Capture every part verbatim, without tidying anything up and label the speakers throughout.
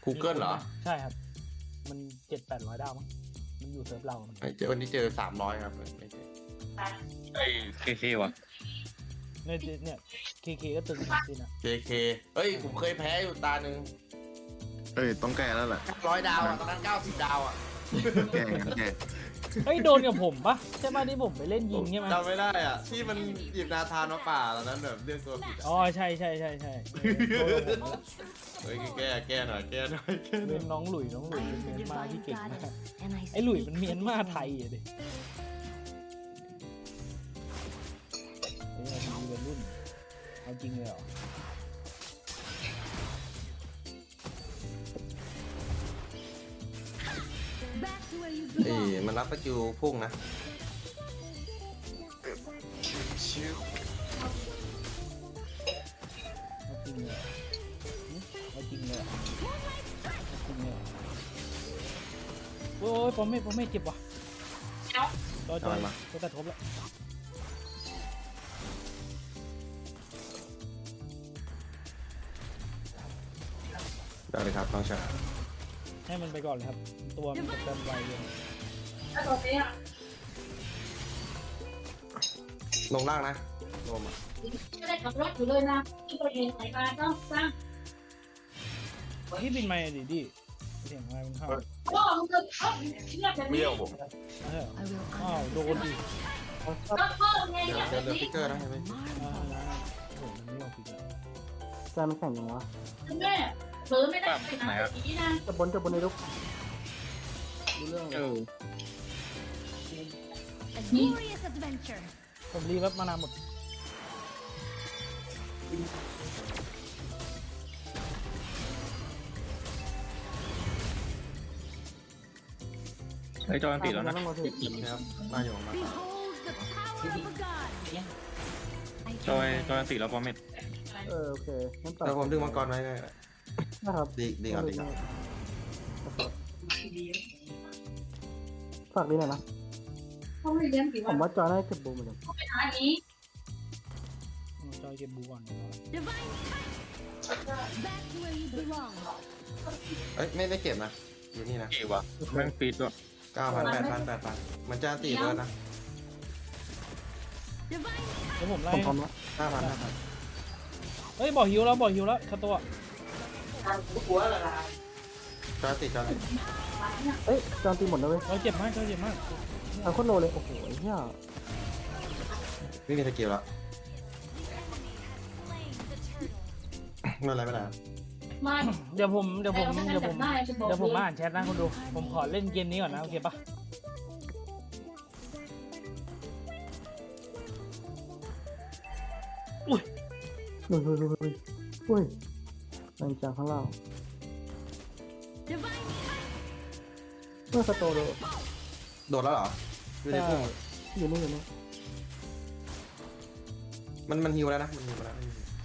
Speaker 1: Google เหรอ
Speaker 2: ใช่ครับมันเจ็ดแปดร้อยดาวมั้งมันอยู่เซิร์ฟเรามัน
Speaker 1: เจอวันนี้เจอสามร้อยครับไม่เจอ
Speaker 3: ไอ้เคเควะ
Speaker 2: เนี่ยเนี่ยเคเคก็ตึงจริงนะ
Speaker 1: เจ เค เฮ้ยผมเคยแพ้อยู่ตาหนึ่ง
Speaker 4: เอ้ยต้องแก้แล้วแหละ
Speaker 1: ร้อยดาวอ่ะตอนนั้นเก้าสิบดาวอ่ะ
Speaker 4: แก้งั้นแก้
Speaker 2: เฮ้ยโดนกับผมปะใช่ไหมที่ผมไปเล่นยิงใช่ไหม
Speaker 1: จำไม่ได้อ่ะที่มันหยิบนาธานมาป่าตอนนั้นแบบเรื่องตัวผิด
Speaker 2: อ๋อใช่ใช่ใช่ใช่โดนกับผม
Speaker 1: เฮ้ยแก้แก้หน่อยแก้หน่อยแก้หน่
Speaker 2: เป็
Speaker 1: อย
Speaker 2: นน้องหลุยน้องหลุยเป็นเมียนมาที่เก่งมากไอ้หลุยมันเมียนมาไทยอะดิไอ้เนี่ยมีวัยรุ่นเอาจริงเลยเหรอ
Speaker 1: เอ้ยมันรับสกิลพุ่งนะ
Speaker 2: เอาจริงเลยเหรอหึเอาจริงเลยเหรอเอาจริงเลยเหรอโอ้ยปอมเม่ปอมเม่เจ็บว่ะจอจอยจะกระทบแล้ว
Speaker 1: ได้เลยครับน้องชาย
Speaker 2: ให้มันไปก่อนเลยครับตัวมันจะเต็มไวเลย
Speaker 1: ลงล่างนะลมอ่ะ
Speaker 5: ไม่ได้ขับรถอยู่เลยนะที่ประเทศไหนมาต้องสร้าง
Speaker 2: พี่บินมาดิดิเสียงอะไรมันเข้า
Speaker 5: พ่อมึงจะเข้าเชื่อแบบนี้
Speaker 2: เอออ้าวโดนดิ
Speaker 5: ก็พ่อไง
Speaker 1: เดี๋ยว
Speaker 5: เนี่ย
Speaker 1: เดี๋ยวเรือฟิกเกอร์นะใช่ไหม
Speaker 2: อ่าโอ้โหมันไม่ยอมปิดเลย
Speaker 6: ใจมันแข็งยังวะ
Speaker 5: แม่เผลอไม่ได้ไปไหนอย่างนี้นะ
Speaker 6: จะบนจะบนในลูกดูเรื่อง
Speaker 3: เออ
Speaker 7: A glorious adventure.
Speaker 2: ผมรีแบบมานานหมด
Speaker 3: ไอ้จอยอันติดแล้วนะ
Speaker 6: ต้องมาถึง
Speaker 1: นะครับมาอยู่มา
Speaker 7: Behold the power of a god.
Speaker 3: จอยจอยอันติดแล้วปอมเม็ด
Speaker 6: เออโอเคงั้นต่อ
Speaker 1: แล้วผมดึงมังกรไว้ไง
Speaker 6: นะครับ
Speaker 1: ดีดีก่อนดีก่อน
Speaker 6: ฝากดีหน่อยนะ
Speaker 5: เขาไม่เลี้ยงกี่
Speaker 6: ผ
Speaker 5: วัน
Speaker 6: มว่าจอยน่าจะเก็บบูมเหมือนกัน
Speaker 5: เขาไปหานี้
Speaker 2: จอยเก็บบูก่อน
Speaker 7: Divine touch. Back to where you belong.
Speaker 1: เอ้ยไม่ไม่เก็บนะอยู่นี่นะ
Speaker 3: กี่วะแม่งฟีดด้วย
Speaker 1: เก้าพันแปดพันแปดพันมันจะตีเบิร์ดนะ
Speaker 7: Divine
Speaker 2: แล้วผมไล่
Speaker 6: ผมพร้อมแล้ว
Speaker 1: ห้าพันห้าพัน
Speaker 2: เฮ้ยบอกฮิวแล้วบอกฮิวแล้วคาตัว
Speaker 1: จอยติดจอยติด
Speaker 6: เอ้ยจอยตีหมดแล้วเว้ย
Speaker 2: เราเจ็บมากเราเจ็บมาก
Speaker 6: เอาโคตรโลเลยโอ้โหไอ้เหี้ย
Speaker 1: ไม่มีสกิลแล้วไม่เป็นไรไม่เป็นไร
Speaker 5: มา
Speaker 2: เดี๋ยวผมเดี๋ยวผมเดี๋ยวผม
Speaker 5: ได้จะบอก
Speaker 2: เดี๋ยวผมมาอ่านแชทนะคุณดูผมขอเล่นเกมนี้ก่อนนะโอเคปะ
Speaker 6: เฮ้ยเฮ้ยเฮ้ยเฮ้ยเฮ้ยแรงจากข้างล่าง
Speaker 7: divine
Speaker 6: เมื่อสโตโด
Speaker 1: โดดแล้วเหรอไม่ได้พุ่ง
Speaker 6: อยู่นี่อยู่นี่
Speaker 1: มันมันฮิวแล้วนะมันฮิวแล้ว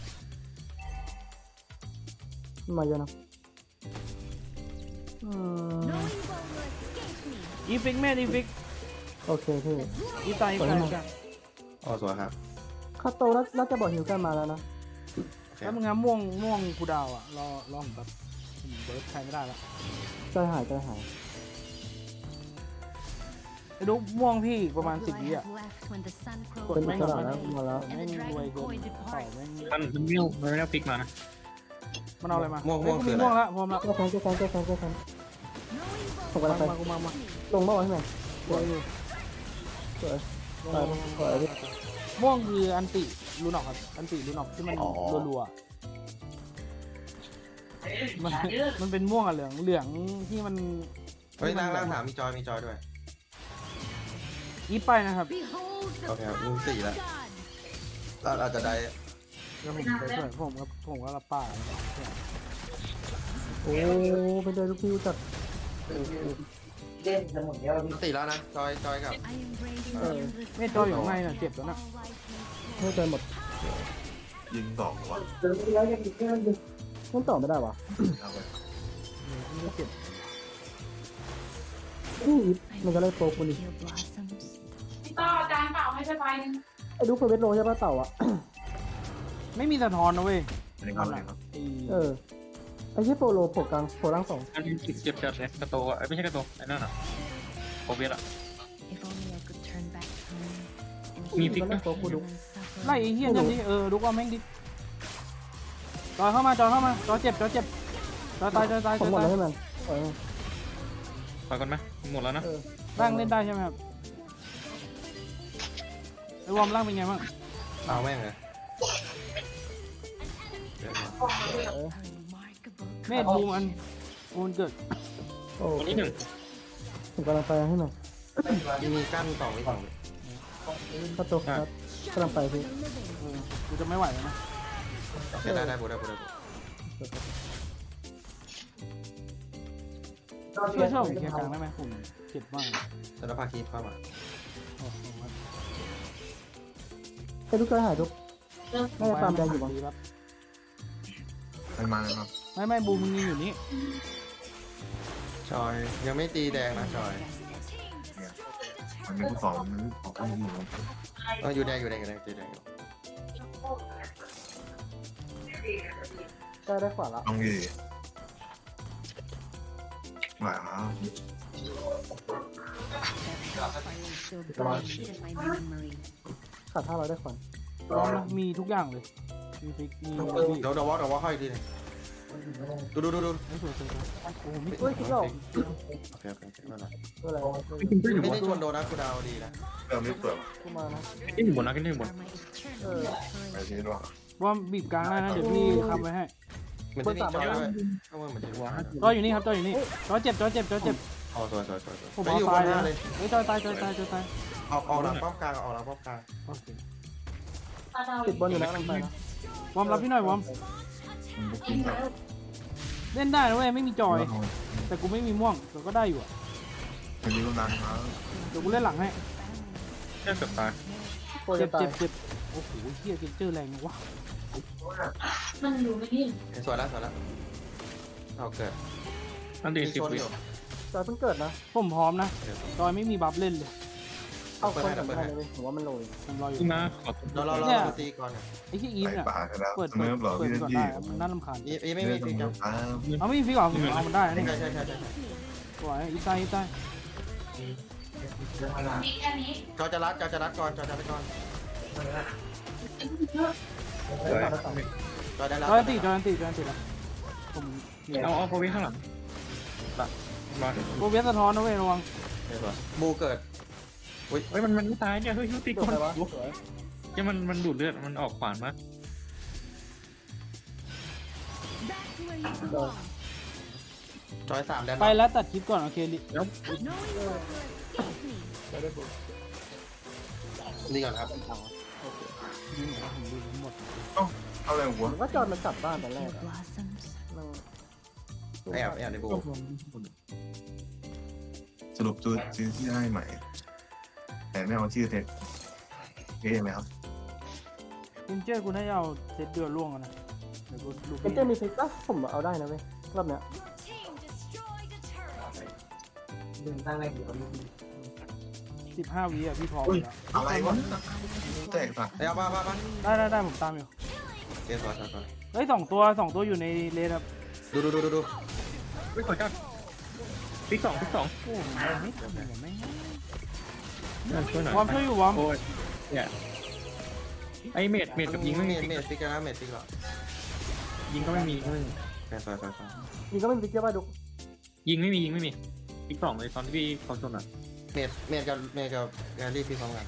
Speaker 6: มาเยอะนะอืม
Speaker 7: no evil will escape me.
Speaker 2: อีฟิกแม่อีฟิก
Speaker 6: โอเคพี่
Speaker 2: อีตายอีตายอีตาย
Speaker 1: อ๋อสวยครับ
Speaker 6: คาโตน่าน่าจะบอกหิวกันมาแล้วนะ
Speaker 2: แล้วมึงงั้นม่วงม่วงกูดาวอ่ะรอรอผมแบบผมเบิร์ดใครไม่ได้ละ
Speaker 6: ใจหายใจหาย
Speaker 2: ไอ้ดูม่วงพี่ประมาณ
Speaker 7: What
Speaker 2: สิบ
Speaker 7: will
Speaker 2: วิ
Speaker 7: I
Speaker 2: อ่ะ
Speaker 7: have left when the sun
Speaker 6: เป็น
Speaker 7: grows
Speaker 6: อิสระ
Speaker 7: light
Speaker 6: แล้ว
Speaker 7: away
Speaker 6: มาแล้ว
Speaker 2: แม่งรวยเกินต่อแม่ง
Speaker 3: มันมันไม่เอามันไม่ได้ฟิกมานะ
Speaker 2: มันเอาอะไรมา
Speaker 1: ม่วงม่วง
Speaker 2: เฮ้ย
Speaker 1: คือ
Speaker 2: กู
Speaker 1: อะไร
Speaker 2: มีม่วงละพร้อมละ
Speaker 6: แก้แค้นแก้แค้นแก้แค้นแก้แค้น
Speaker 7: No evil
Speaker 6: ผมกำลังไป
Speaker 2: มากูมามา
Speaker 6: ลงบ้าวะพี่แมน
Speaker 2: รวยอยู่
Speaker 6: สวย
Speaker 2: ลง
Speaker 6: สวยพี่
Speaker 2: ม่วงคืออันติลูนอกครับอันติลูนอกที่มันรัวๆอะมันมันเป็นม่วงกับเหลืองเหลืองที่มัน
Speaker 1: เฮ้ยล่างล่างถามมีจอยมีจอยด้วย
Speaker 2: อีฟไปนะครับ
Speaker 7: behold the
Speaker 1: Okay,
Speaker 7: power
Speaker 1: we'll
Speaker 7: of
Speaker 1: see
Speaker 7: a
Speaker 1: that.
Speaker 7: god.
Speaker 1: เราอาจจะได้
Speaker 2: เดี๋ยวผมไปช่วยผมกับผมก็รับป่า
Speaker 6: โอ้เป็นใจลูกพี่จัด
Speaker 1: ติแล้วนะจอยจอยกับ
Speaker 7: I embrace
Speaker 6: Uh,
Speaker 7: the endless
Speaker 2: ไม่จอยอยู่ข้างในน่ะเจ็บแล้วน่ะ
Speaker 7: all life makes
Speaker 6: ไม่ใจหมด
Speaker 4: ยิงสองวะ
Speaker 6: มันต่อไม่ได้วะ
Speaker 2: ไม่เจ็บ
Speaker 6: นี่มันก็เลยโปรกูนี่
Speaker 7: pure blossoms.
Speaker 5: พี่ต้อจานเปล่าให้ไปไปนึง
Speaker 6: ไอ้ดูเฟเวสโลใช่ป่ะเต่าอ่ะ
Speaker 2: ไม่มีสะท้อนนะเว้ย
Speaker 4: อันนี้ครับอันนี้ครับ
Speaker 2: ไอ้
Speaker 6: เออ ไออ้ที่โปโลโผล่กลางโผล่ล่างสอง
Speaker 3: อันนี้เจ็บจัดเลยกระโตอ่ะไม่ใช่กระโตไอ้นั่นอ่ะโอเวียอ่ะ
Speaker 7: If only I could turn back time and
Speaker 3: มี
Speaker 7: heal
Speaker 3: ฟิก
Speaker 6: แล้
Speaker 3: นะ
Speaker 6: วตัวกูดุ
Speaker 7: and suffer.
Speaker 2: ไล่ไอ้เหี้ยนั่นดิเออดูว่าแม่งดิจอยเข้ามาจอยเข้ามาจอยเจ็บจอยเจ็บจอยตายจอยตาย
Speaker 6: ผ
Speaker 2: จ
Speaker 6: ม
Speaker 2: อย
Speaker 6: หมด
Speaker 2: ตา
Speaker 6: แล้
Speaker 2: ยว
Speaker 6: ให้มันปล่อยมัน
Speaker 3: ปล่อยก่อนไหมหมดแล้วนะ
Speaker 6: เออ
Speaker 2: ร่างเล่นได้ใช่ไหมครับไอ้วอร์มร่างเป็นไงบ้าง
Speaker 1: เอาแม่งเลย
Speaker 7: A remarkable
Speaker 2: เมธบูมอันบูมเกิด
Speaker 6: โอ้
Speaker 3: ตัวนี้หนึ่ง
Speaker 6: ผมกำลังไปให้มัน
Speaker 1: มีกั้นสองวิสองวิ
Speaker 6: ก็ตัวครับกำลังไปพี่
Speaker 2: เออกูจะไม่ไหวแล้วนะ
Speaker 1: ได้ได้บูได้บูได้บู
Speaker 2: ช่วยช่วยผมเคลียร์กลางได้ไหมผมเจ็บมาก
Speaker 1: แล้วพาคีเข้ามา
Speaker 2: โอ้โห
Speaker 6: ไอ้ลูกกระหายทุกน่าจะตามแดงอยู่บ้าง
Speaker 2: ดีครับ
Speaker 4: มันมาแล้วครับ
Speaker 2: ไม่ไม่บูมมึงยังอยู่นี่
Speaker 1: จอยยังไม่ตีแดงนะจอย
Speaker 4: มันมีผู้สองมันออกข้างหนึ่ง
Speaker 1: เอออยู่แดงอยู่แดงอยู่แดงตีแดงอยู่
Speaker 6: ได้ได้ขวาละ
Speaker 4: ต้องยีหวา
Speaker 7: that hellfire is still burned in my memory.
Speaker 6: ขาดท่าเราได้ขวาน
Speaker 2: พร้อมนะมีทุกอย่างเลยมีฟิกมีมี
Speaker 1: เดี๋ยวเดี๋ยววอลเดี๋ยววอลเข้าอีกทีนึงดูดูดูดู
Speaker 2: ไม่สวยสวยสวยโอ้โหมี
Speaker 6: เฮ้ยคิดหรอก
Speaker 1: โอเคโอเคไม่เป็นไร
Speaker 6: อะไร
Speaker 1: ไม่ได้ชวนโดนนะกูดาวดีนะ
Speaker 4: เริ่มไม่เปิด
Speaker 6: กูมานะ
Speaker 3: กินอยู่บนนะกินอยู่บน
Speaker 7: For my eternal
Speaker 6: เออ
Speaker 4: ไป
Speaker 7: courage.
Speaker 4: ทีนี้ด้วย
Speaker 2: วอร์มบีบกลางได้นะเดี๋ยวพี่ทำไว้ให้
Speaker 1: เหมือนที่นี่จอยด้วยเข้ามาเหมือนที่นี่
Speaker 2: จอยอยู่นี่ครับจอยอยู่นี่จอยเจ็บจอยเจ็บจอยเจ็บ
Speaker 1: อ๋อสวยสวยสวยสวย
Speaker 2: ผม
Speaker 1: ไป
Speaker 2: เอา
Speaker 1: อยู่
Speaker 2: ตา
Speaker 1: บ
Speaker 2: ย
Speaker 1: นหน้า
Speaker 2: เล
Speaker 1: เลย ย
Speaker 2: เฮ้ยจอยตายจอยตายจอยตาย
Speaker 1: ออกออกหลังป้อมกลางออกหลังป้อมกลาง
Speaker 2: โอเค
Speaker 6: ติดบอลอยู่แล้วกำลังไปนะ
Speaker 2: วอร์มรับพี่หน่อยวอร์ม
Speaker 4: มันบุกกินแบบ
Speaker 2: เล่นได้นะเว้ยไม่มีจอย แต่กูไม่มีม่วงแต่ก็ได้อยู่อะ
Speaker 4: มันมีกำลังมา
Speaker 2: เดี๋ยวกูเล่นหลังให้
Speaker 3: แค่เกือบตาย
Speaker 6: โปร
Speaker 2: เจ็
Speaker 6: จะ
Speaker 2: บ
Speaker 6: ตาย
Speaker 2: เจ็บเจ็บโอ้โหเฮียเกนเจอร์แรงจังวะ
Speaker 5: มันอยู่ไม่นิ่ง
Speaker 1: สวยแล้วสวยแล้วเอาเกิด
Speaker 3: อันดี
Speaker 1: มี
Speaker 3: สิบ
Speaker 1: ชน
Speaker 3: วิ
Speaker 1: อยู่
Speaker 6: จอยเพิ่งเกิดนะ
Speaker 2: ผมพร้อมนะจอยไม่มีบัฟเล่นเลย
Speaker 6: เอาคนสำคัญเลยผมว่ามันโรย
Speaker 2: ผมรออยู่
Speaker 3: ขึ้นมาขอ
Speaker 1: เราเราเราตีก่อนเนี่ย
Speaker 2: ไอ้ที่อีฟ
Speaker 4: ใส่
Speaker 2: เนี่ย
Speaker 4: ปากกันแล้ว
Speaker 2: เปิด
Speaker 4: เสม
Speaker 2: เปิด
Speaker 4: อบอก
Speaker 2: เปิด
Speaker 4: พี่
Speaker 2: ก่อน
Speaker 4: ยี่
Speaker 2: ได้ครับมันน่ารำคาญ
Speaker 1: อีอีไม่มีฟิกครับ
Speaker 4: อ้าว
Speaker 2: เอาไม่มีฟิกเหรอผมเอามันได้นะ
Speaker 1: ใช่
Speaker 2: นี่
Speaker 1: ใช่ใช่ใช่ใช่
Speaker 2: สวยอีฟตายอีฟตาย
Speaker 5: มีแค่นี้
Speaker 1: จอจะรัดจอจะรัดก่อนจอจะรัดก่อนจอได้รัด
Speaker 2: จอยอันติจอยอันติจอยอันติแล้วผมมี
Speaker 3: เอาเอาโปรวิข้างหลังตัดมา
Speaker 2: โปรเวสสะท้อนนะเว้ยระวัง
Speaker 1: บูเกิด
Speaker 3: เฮ้ยมันมันไม่ตายเนี่ยเฮ้ยยุติ
Speaker 6: จ
Speaker 3: ก่
Speaker 6: บ
Speaker 3: อน
Speaker 6: ไปวะสวย
Speaker 3: เนี่ยมันมันดูดเลือดมันออกขวานมา
Speaker 7: Back to where you belong.
Speaker 1: จอยสามแดน
Speaker 2: ไปแล้วตัดคลิปก่อนโอเคลิ
Speaker 3: แล้ว
Speaker 7: No evil will escape me.
Speaker 6: ได้ได้บุก
Speaker 1: นี่ก่อนครับ
Speaker 2: ยิงหมดแล้วผมดูทั้งหมด
Speaker 4: เอาอะไรหัว
Speaker 6: ผมว่าจอยมันกลับบ้านแต่แร
Speaker 7: Your
Speaker 6: กอะ
Speaker 7: blossoms.
Speaker 6: มัน
Speaker 1: แอบแอบในบู
Speaker 4: สรุปตัวซื้อที่ได้ใหม่ แต่ไม่เอาชื่อเท็จเอ๊ะไหมครับ
Speaker 2: เกนเจอร์กูน่าจะเอาเซตเดือดล่วงอะนะเดี๋ยวกูดู
Speaker 6: เป็นเจมีฟิกปะผมเอาได้นะเว้ยรอบเนี้ย
Speaker 2: สิบห้าวิอ่ะพี่พร้อม
Speaker 4: อุ้ย
Speaker 2: แล้ว
Speaker 4: อะไรวะแตกปะ
Speaker 1: เอามามามา
Speaker 2: ได้ได้ได้ผมตามอยู่
Speaker 1: เกมสวยสวยสวย
Speaker 2: เฮ้ยสองตัวสองตัวอยู่ในเลนครับ
Speaker 1: ดูดูดูดูดู
Speaker 3: เฮ้ยขอจัดพิกสองพิกสอง
Speaker 2: โอ้โหไม่ทำเลยไม่ง
Speaker 3: ช่วยหน่อยว
Speaker 2: อร์มช่วยอยู่วอร์ม
Speaker 3: โอ้ยเนี่ยไอเมดเมดกับยิงไม่
Speaker 1: เม
Speaker 3: มี
Speaker 1: ดเมดฟิกนะเมดฟิกหรอ
Speaker 3: ยิงก็ไม่มีก็ไม่มี
Speaker 1: แค่สวยสวยสวย
Speaker 6: นี่ก็ไม่มีฟิกเยอะป่ะดุก
Speaker 3: ยิงไม่มียิงไม่มีพิกสองเลยตอนที่พี่เขาชนอ่ะ
Speaker 1: เมดเมดกับเมดกับแกรี่ฟิกพร้อมกัน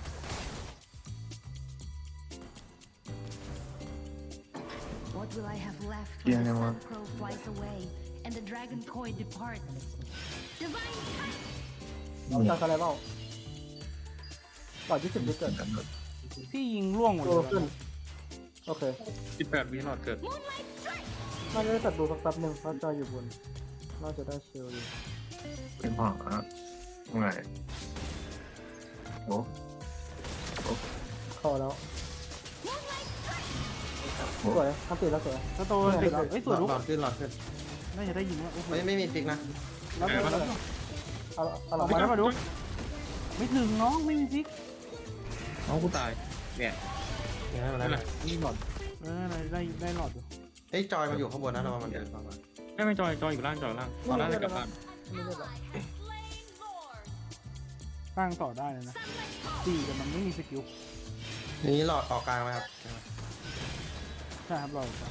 Speaker 7: What will I have left
Speaker 4: Yeah,
Speaker 7: when the
Speaker 4: no
Speaker 7: sun
Speaker 4: one.
Speaker 7: crow flies away and the dragon coin departs? Divine touch.
Speaker 6: เอาจอยอะไรเปล่าต่อยี่สิบฟิกเกิด
Speaker 2: พี่ยิงล่วงหมด
Speaker 6: โต
Speaker 2: เลย
Speaker 6: ขึ้นโอเค
Speaker 3: สิบแปดวิหลอดเกิด
Speaker 6: น่าจะได้ตัดดูสักแป๊บหนึ่งเพราะจอยอยู่บนน่าจะได้เชลอยู่
Speaker 4: เป็นพ่อฮะไงโอ้
Speaker 6: เข้าแล้วสวยทำติดแล้วสวย
Speaker 2: สโตนติดแล้วเฮ้ยสวย
Speaker 1: ห
Speaker 2: ลุก
Speaker 1: ลอดขึ้นหลอดขึ้น
Speaker 2: น่าจะได้ยิงแล้วโอ้โห
Speaker 1: ไม่ไม่มีฟิกนะ
Speaker 2: แล้วไปแล้ว
Speaker 6: เอาเอาห
Speaker 2: อ
Speaker 6: ลั
Speaker 2: อง กมา
Speaker 6: มา
Speaker 2: แล้วมาดูไม่ถึงน้องไม่มีฟิก
Speaker 3: เอากูตายเนี่ย
Speaker 1: ยังไงมัน
Speaker 3: นั่นแห
Speaker 1: ได้
Speaker 3: ละ
Speaker 2: เออได้ได้ได้หลอดอยู่
Speaker 1: เฮ้ยจอยมันอยู่ข้างบนนะเรามันเดินเข้ามา
Speaker 3: ไม่ไม่จอยจอยอยู่ล่างจอยล่างตอนล่างจะกลับบ้าน
Speaker 6: ไม่ได้หรอก
Speaker 2: สร้างต่อได้เลยนะสี่แต่มันไม่มีสกิล
Speaker 1: นี่หลอดต่อกลางไหมครับ
Speaker 2: ใช่ครับรอก่อน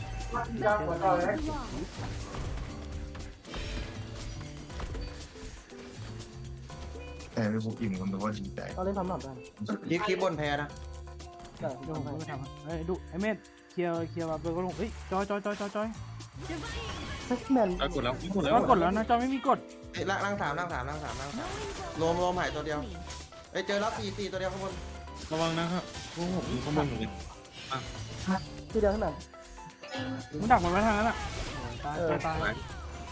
Speaker 4: แต่ไม่ผมอิ่มกันแต่ว่าดีใจ
Speaker 6: เราเล่นทำหนักได้
Speaker 1: คลิปคลิปบนแพนะ
Speaker 6: ได้
Speaker 2: เดี๋ยวผม
Speaker 6: ให้
Speaker 2: ก็ไปทำครับเฮ้ยดูไอ้เมธเคลียร์เคลียร์มาเบอร์ก็ลงเฮ้ยจอยจอยจอยจอยจอย
Speaker 6: แมน
Speaker 3: จอยกดแล้วกดแล้ว
Speaker 2: แล้วกดแล้วนะจอยไม่มีกด
Speaker 1: เอ้ยล่างล่างสามล่างสามล่างสามล่างสามรวมรวมหายตัวเดียวเอ้ยเจอแล้วสี่สี่ตัวเดียวข้างบน
Speaker 3: ระวังนะครับโอ้โหอยู่ข้างบนอยู่เลย
Speaker 6: ทีเดียวข้างหลัง
Speaker 2: มึงดักมันไว้ทางนั้นอ่ะตายตายตาย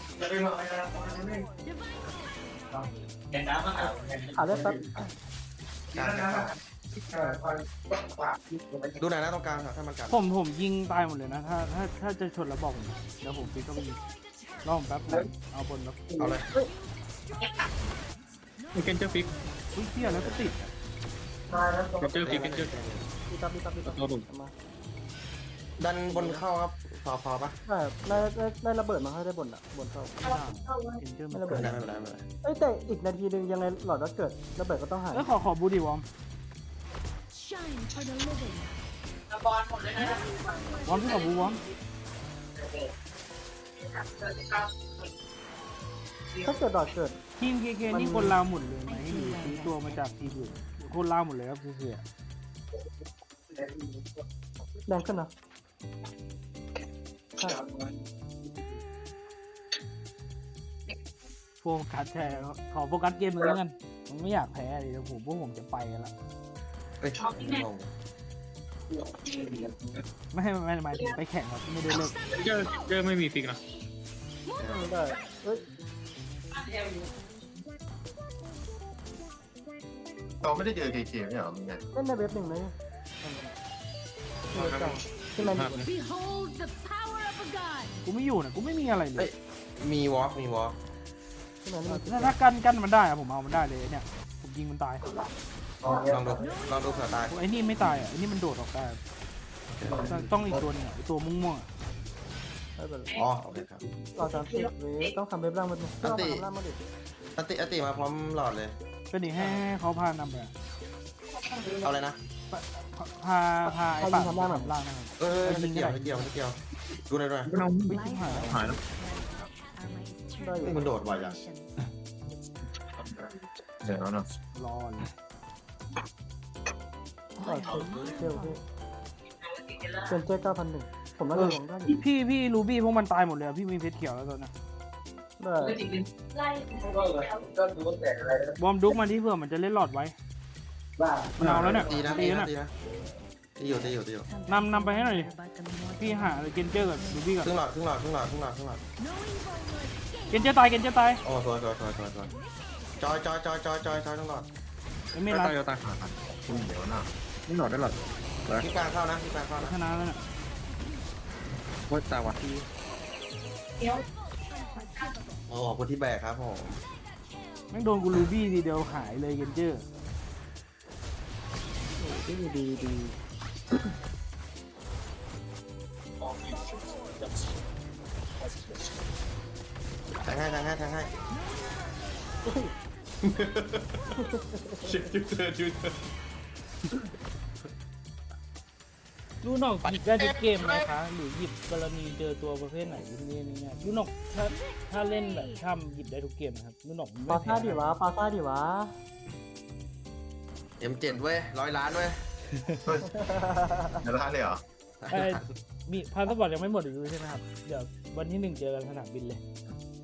Speaker 6: หาเลือดแป๊บ
Speaker 1: กลางกลางดูหน่อยนะตรงกลางครับถ้ามันกัด
Speaker 2: ผมผมยิงตายหมดเลยนะถ้าถ้าถ้าจะชนแล้วบอกผมเดี๋ยวผมฟิกก็ไปยิงรอผมแป๊บนึงเอาบนแล้ว
Speaker 1: เอาเลย
Speaker 3: เกนเจอร์ฟิก
Speaker 2: อุ้ยเที่ยแล้วก็ติด
Speaker 3: เกนเจอร์ฟิกเกนเจอร์
Speaker 6: ดีตับดีตับดีตับ
Speaker 3: ตัวดุ
Speaker 6: มา
Speaker 1: ดันบนเข้าครับพอพอปะ
Speaker 6: ได้ได้ได้ได้ระเบิดมาให้ได้บนอ่ะบนเข้า
Speaker 2: เอ็นเจอร์
Speaker 6: ไม่
Speaker 2: มัน
Speaker 6: ระเบิ
Speaker 1: ไม่
Speaker 6: ด
Speaker 1: ได้ไม่เป็นไรไม่เป็นไร
Speaker 6: เอ้ยแต่อีกนาทีหนึงยังไงหลอดก็เกิดระเบิดก็ต้องหาย
Speaker 2: เอ้ยขอขอบูดีวอม
Speaker 7: Shine for the living.
Speaker 2: วอมที่ขอบูวอม
Speaker 6: ถ้าเกิดหลอดเกิด
Speaker 2: ทีมเคเคนี่คนลาวหมดเลยไหมหรือซื้อตัวมาจากทีมอื่นคนลาวหมดเลยครับเสีย
Speaker 6: แรงขึ้นนะใช่
Speaker 2: โฟกัสแทนขอโฟกัสเกมเลยแล้วกันผมไม่อยากแพ้เลยนะผมพวกผมจะไปกันละ
Speaker 1: เอ้ยงง
Speaker 2: ไม่ให้ไม่หมายถึงไปแข่งครับไม่ได้เลิก
Speaker 3: เจอเจอไม่มีฟิกนะ
Speaker 6: ได้เอ้ย
Speaker 4: เราไม่ได้เจอเคเคไม่เหรอมึงไง
Speaker 6: เล่นในเว็บหนึ่งไหมที่มันอยู่
Speaker 7: Behold the power of a god.
Speaker 2: กูไม่อยู่นะกูไม่มีอะไรเล
Speaker 1: เอ้
Speaker 2: ย
Speaker 1: ยมีวอล์กมีวอล์ก
Speaker 6: ที่มันไม่มี
Speaker 2: ถ้าถ้ากันกันมันได้อะผมเอามันได้เลยเนี่ยผมยิงมันตาย
Speaker 1: ลองดูลองดูเผื่อตาย
Speaker 2: ไอ้นี่ไม่ตายอ่ะไอ้นี่มันโดดออกได้ต้องอีกตัวหนึงอ่ะไอ้ตัวม่วงๆอ่ะ
Speaker 6: ไม่เป็นไร
Speaker 1: อ๋อโอเคครับ
Speaker 6: หลอดสามสิบเว็บต้องทำเว็บล่างมันต้องทำล่างมันดิ
Speaker 1: อติอติมาพร้อมหลอดเลย
Speaker 2: ก็นี่ให้ให้เขาพานำไปอะ
Speaker 1: เอาเลยนะ
Speaker 2: พาพาไอ้ป่าทำล่างล่างนะครับ
Speaker 1: เออไม่เกี่ยวไม่เกี่ยวไม่เกี่ยวดูหน่อยด้วย
Speaker 3: เรา
Speaker 2: ไม่ชิบหายแล้ว
Speaker 3: หายแล้ว
Speaker 6: ได้อยู่
Speaker 1: นี่มันโดดบ่อยจัง
Speaker 4: เดี๋ยวนะ
Speaker 2: รอเลย
Speaker 6: ได้เที่ยวที่เป็นเจ๊เก้าพันหนึ่งผมน่าจะลงได้อยู่
Speaker 2: พี่พี่รูบี้พวกมันตายหมดเลยอะพี่มีเพชรเขียวแล้วตอนนี้
Speaker 6: ได้
Speaker 5: ไล่
Speaker 2: บอมดุกมาที่เพื่อมันจะเล่นหลอดไว้มันเอาแล้วเนี่ย
Speaker 1: ตีนะ
Speaker 2: ตี
Speaker 1: ตี
Speaker 2: แล้ว
Speaker 1: นะ
Speaker 2: เนี่ย
Speaker 1: ตีนะตีอยู่ตีอยู่ตีอยู่
Speaker 2: นำนำไปให้หน่อยดิพี่หาเกนเจอร์กับรูบี้ก่อน
Speaker 1: ครึ่งหลอดครึ่งหลอดครึ่งหลอดครึ่งหลอดครึ่งหลอด
Speaker 2: เกนเจอร์ตายเกนเจอร์ตาย
Speaker 1: โอ้สวยสวยสวยสวยสวยจอยจอยจอยจอยจอยจอยครึ่งหลอด
Speaker 2: ไอ้ไม่
Speaker 3: ตา
Speaker 2: รั
Speaker 3: ย
Speaker 2: ด
Speaker 3: ตายตาย
Speaker 4: คุณเดี๋ยวนะ
Speaker 3: นี่หลอดได้หลอด
Speaker 1: ที่กลางเข้านะที่กลางเข้านะ
Speaker 2: ชนะแล้วเนี่ย
Speaker 3: ว่าตาวัด
Speaker 1: โอ้ขอบคุณที่แบกครับผม
Speaker 2: แม่งโดนกูรูบี้ทีเดียวหายเลยเกนเจอร์
Speaker 6: ดีดีดี
Speaker 1: แทงให้แทงให้แทงให้ชิวเธอชิวเธอ
Speaker 2: ลูกนอกหยิบได้ทุกเกมนะคะ หรือหยิบกรณีเจอตัวประเภทไหนที่นี่เนี่ยลูกนอกถ้าถ้าเล่นแบบถ้ำหยิบได้ทุกเกมนะครับลูกนอก
Speaker 6: ปา
Speaker 2: ไม่
Speaker 6: ซ่า
Speaker 2: แพ้
Speaker 6: ดิวะปาซ่าดิวะ
Speaker 1: เอ็มเจ็ดเว้ยร้อยล้านเว้ย
Speaker 4: เดี๋ยวร้านเลยเหรอ
Speaker 2: เอ้ยมีพาสปอร์ตยังไม่หมดอยู่ใช่ไหมครับเดี๋ยววันที่หนึ่งเจอกันสนามบินเลย